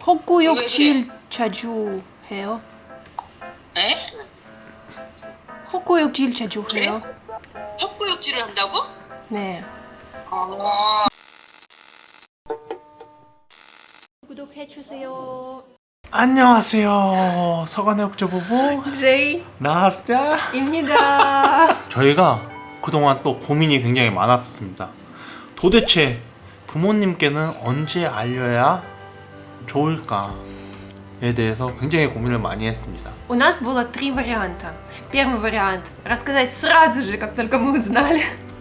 헛구역질 자주 해요? 에? 헛구역질 자주 해요? 헛구역질을 한다고? 네. 아. 구독해주세요. 안녕하세요. 서간의 옥조 부부 제이 나스자. 입니다. 저희가 그동안 또 고민이 굉장히 많았습니다. 도대체 부모님께는 언제 알려야 좋을까에 대해서 굉장히 고민을 많이 했습니다. У нас было 3 варианта. Первый вариант – рассказать сразу же, как только мы узнали.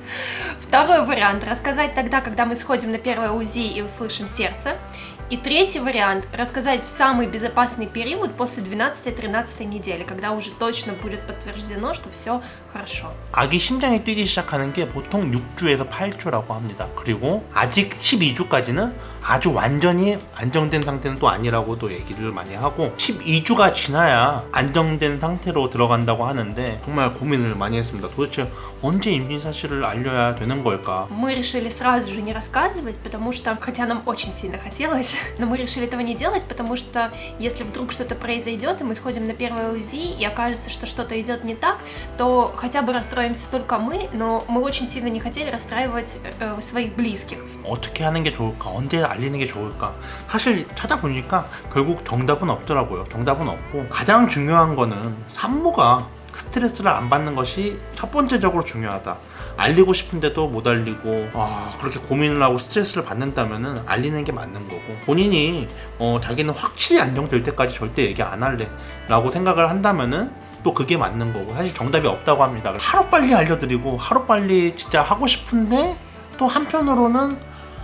Второй вариант – рассказать тогда, когда мы сходим на первое УЗИ и услышим сердце. И третий вариант – рассказать в самый безопасный период после 12-13 недели, когда уже точно будет подтверждено, что все хорошо. 아기 심장이 뛰기 시작하는 게 보통 6주에서 8주라고 합니다. 그리고 아직 12주까지는 아주 완전히 안정된 상태는 또 아니라고도 얘기를 많이 하고 12주가 지나야 안정된 상태로 들어간다고 하는데 정말 고민을 많이 했습니다. 도대체 언제 임신 사실을 알려야 되는 걸까? Мы решили сразу же не рассказывать, потому что, хотя нам очень сильно хотелось, но мы решили этого не делать, потому что если вдруг что-то произойдет, и мы сходим на первое УЗИ, и окажется, что что-то идет не так, то хотя бы расстроимся только мы, но мы очень сильно не хотели расстраивать своих близких. 어떻게 하는 게 좋을까? 언제 알리는 게 좋을까? 사실 찾아보니까 결국 정답은 없더라고요. 정답은 없고 가장 중요한 거는 산모가 스트레스를 안 받는 것이 첫 번째적으로 중요하다. 알리고 싶은데도 못 알리고 그렇게 고민을 하고 스트레스를 받는다면은 알리는 게 맞는 거고 본인이 자기는 확실히 안정될 때까지 절대 얘기 안 할래 라고 생각을 한다면은 또 그게 맞는 거고 사실 정답이 없다고 합니다. 하루빨리 알려드리고 하루빨리 진짜 하고 싶은데 또 한편으로는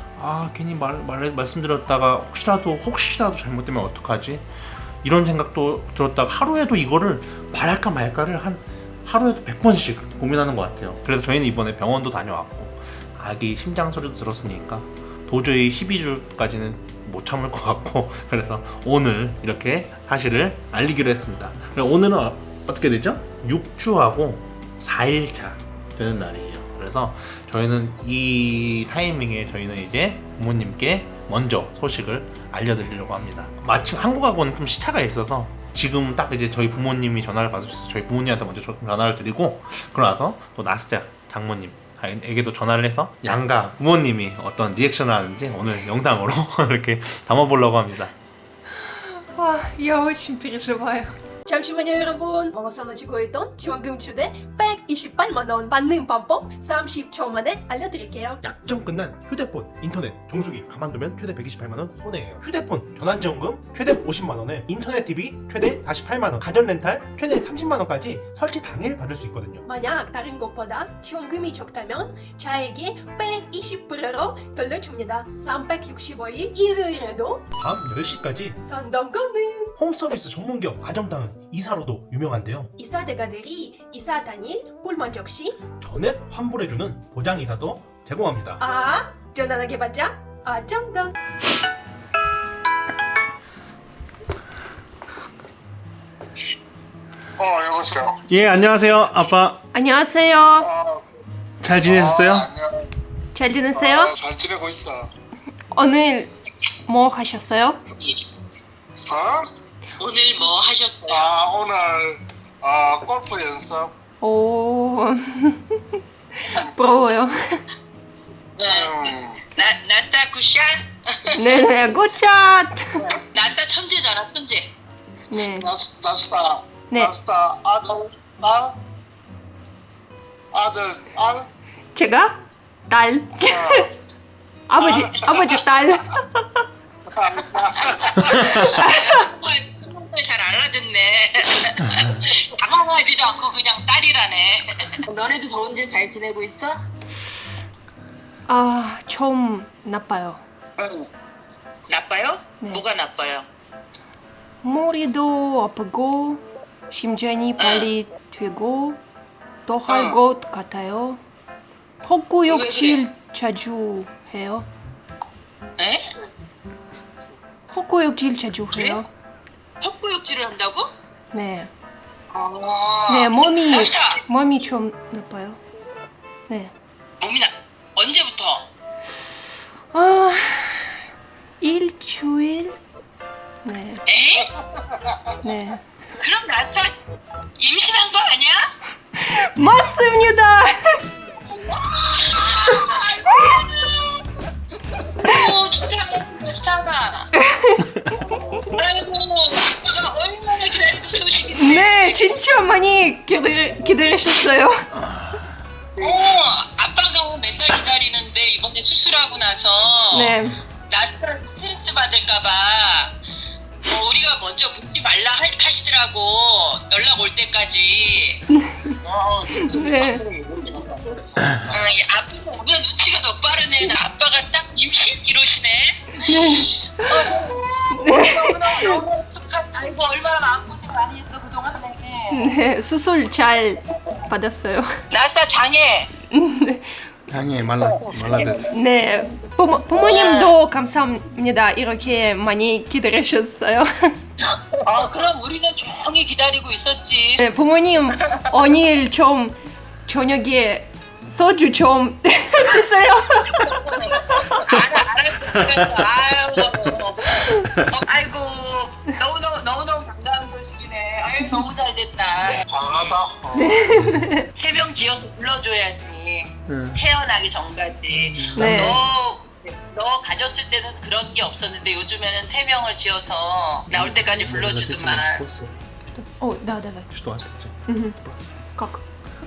괜히 말씀드렸다가 혹시라도 잘못되면 어떡하지? 이런 생각도 들었다가 하루에도 이거를 말할까 말까를 하루에도 100번씩 고민하는 것 같아요. 그래서 저희는 이번에 병원도 다녀왔고 아기 심장 소리도 들었으니까 도저히 12주까지는 못 참을 것 같고 그래서 오늘 이렇게 사실을 알리기로 했습니다. 오늘은 어떻게 되죠? 6주하고 4일차 되는 날이에요. 그래서 저희는 이 타이밍에 저희는 이제 부모님께 먼저 소식을 알려드리려고 합니다. 마침 한국하고는 좀 시차가 있어서 지금 딱 이제 저희 부모님이 전화를 받으셔서 저희 부모님한테 먼저 전화를 드리고 그러고 나서 또 나스자 장모님에게도 전화를 해서 양가 부모님이 어떤 리액션을 하는지 오늘 영상으로 이렇게 담아보려고 합니다. Я очень переживаю. 잠시만요 여러분. 산호지고 있던 지원금 추대 128만 원 받는 방법 30초 만에 알려드릴게요. 약정 끝난 휴대폰, 인터넷, 정수기 가만두면 최대 128만 원 손해예요. 휴대폰 전환지원금 최대 50만 원에 인터넷 TV 최대 48만 원, 가전 렌탈 최대 30만 원까지 설치 당일 받을 수 있거든요. 만약 다른 것보다 지원금이 적다면 저에게 120%로 돌려줍니다. 365일 일요일에도 밤 10시까지 상담가능. 홈서비스 전문기업 아정당은 이사로도 유명한데요. 이사 대가들이 이사 당일 불만 적시 전액 환불해주는 보장이사도 제공합니다. 전화하게 받자 아정당. 여보세요. 예, 안녕하세요 아빠. 안녕하세요. 잘 지내셨어요? 안녕. 잘 지내세요? 잘 지내고 있어. 오늘 뭐 하셨어요? 어? 오늘 뭐 하셨어요? 오늘 골프 연습. 오 부러워요. 나스타 굿샷? 네네 굿샷. 나스타 천재잖아 천재. 네. 나스타. 네. 나스타 아들 딸. 제가 딸. 아버지 딸. 정말 잘 알아듣네. 당황하지도 않고 그냥 딸이라네. 너네도 더운지 잘 지내고 있어? 좀 나빠요. 응. 나빠요? 네. 뭐가 나빠요? 머리도 아프고 심장이 빨리 뛰고 토할 것 같아요. 헛구역질 자주 해요? 에? 헛구역질 자주 해요? 헛구역질을 한다고? 네. 네, 몸이 좀 나빠요. 네. 몸이 언제부터? 일주일 네. 에? 네. 그럼 나사 임신한 거 아니야? 맞습니다. 오, 축하해, 스타가. 아이고, 아빠가 얼마나 기다리던 소식인데. 네, 진짜 많이 기다리셨어요. 아빠가 맨날 기다리는데 이번에 수술하고 나서 네. 나스가 스트레스 받을까봐 우리가 먼저 묻지 말라 하시더라고. 연락 올 때까지. 네. 이 아빠가 오면 눈치가 더 빠르네. 나 아빠가 딱 임신 이러시네. 너무 축하. 아이고 얼마나 마음고생 많이 했어 그동안 내게. 네, 수술 잘 받았어요. 나사 장애. 향이 말라됐어. 네, 부모님도 감사합니다. 이렇게 많이 기다리셨어요. 그럼 우리는 조용히 기다리고 있었지. 네, 부모님 오늘 좀 저녁에 소주 좀 드세요. 알았어. 아이고 너무너무 반가운 소식이네. 아유 너무 잘됐다. 잘하다. 세명 지어서 불러줘야지. 응. 태어나기 전까지. 네. 너 가졌을 때는 그런 게 없었는데 요즘에는 태명을 지어서 나올 때까지 불러주더만. Да. Что ответить? Как?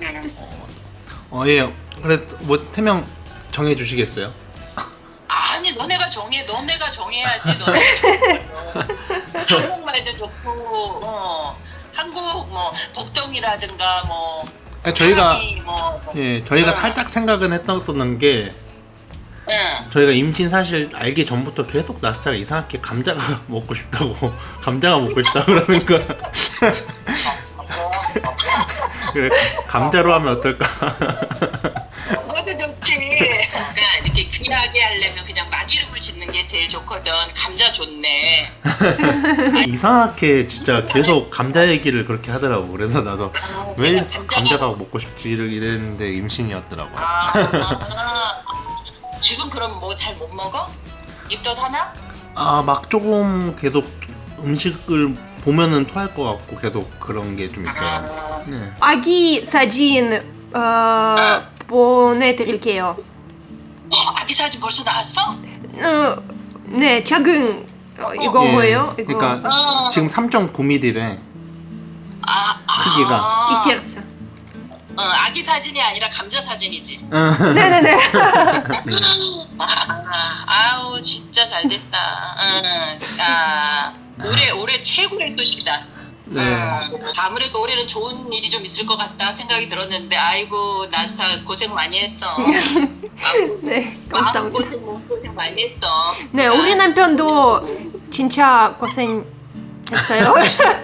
예. 그래 뭐 태명 정해 주시겠어요? 아니 너네가 정해야지. 너네가 한국말도 좋고 한국 뭐 복덩이라든가 뭐 아니, 저희가 사람이 저희가 살짝 생각은 했던 게 저희가 임신 사실 알기 전부터 계속 나스타가 이상하게 감자가 먹고 싶다고 그러는 거야. 그래, 감자로 하면 어떨까? 그것도 좋지. 그러니까 이렇게 귀하게 하려면 그냥 막 이름을 짓는 게 제일 좋거든. 감자 좋네. 이상하게 진짜 계속 감자 얘기를 그렇게 하더라고. 그래서 나도 왜 감자가 먹고 싶지 이랬는데 임신이었더라고. 지금 그럼 뭐 잘 못 먹어? 입덧 하나? 막 조금 계속 음식을 보면은 토할 것 같고 계속 그런 게 좀 있어요. 네. 아기 사진 보내드릴게요. 아기 사진 벌써 나왔어? 네, 작은 이거 뭐예요? 이거 그러니까 지금 3.9mm래 크기가. 이 сердце. 아기 사진이 아니라 감자 사진이지. 네네네. 아우 진짜 잘됐다. 올해 최고의 소식이다. 네. 아무래도 올해는 좋은 일이 좀 있을 것 같다 생각이 들었는데 아이고 나스타 고생 많이 했어. 네, 마음 감사합니다. 고생 몸 고생 많이 했어. 네, 우리 남편도 진짜 고생했어요.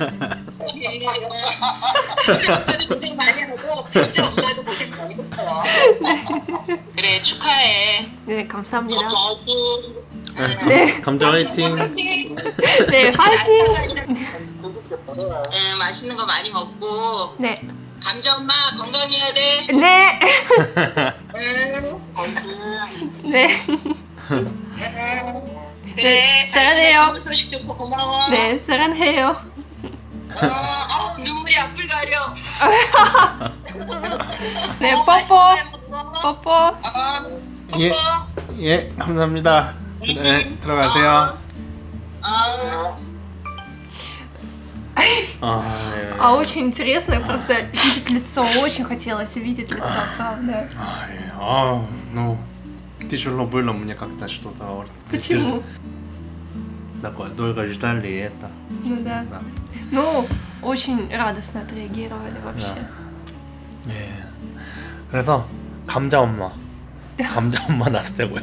진짜 엄마도 고생 많이 하고 진짜 엄마도 고생 많이 했어. 그래 축하해. 네, 감사합니다. 네. 감자 화이팅. 네, 화이팅. 맛있는 거 많이 먹고 네, 감자 엄마 건강해야 돼. 네, 응. 네, 그래. 사랑해요. 소식 좋고 고마워. 네, 사랑해요. 눈물이 앞을 가려. 네, 뽀뽀. 예, 예, 감사합니다. 네, 들어가세요. Очень интересно, просто видеть лицо, очень хотелось увидеть лицо, правда. Ну, тяжело было мне как-то что-то. Почему? Такое долго ждали это. Ну да. Да. Ну, очень радостно отреагировали вообще. 예. 그래서 감자 엄마 나스테고요.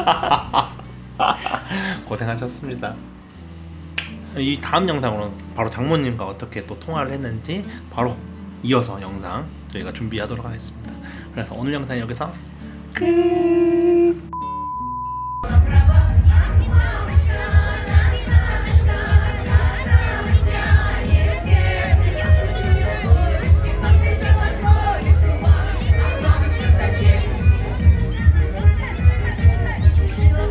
고생하셨습니다. 이 다음 영상으로는 바로 장모님과 어떻게 또 통화를 했는지 바로 이어서 영상 저희가 준비하도록 하겠습니다. 그래서 오늘 영상 여기서 끝.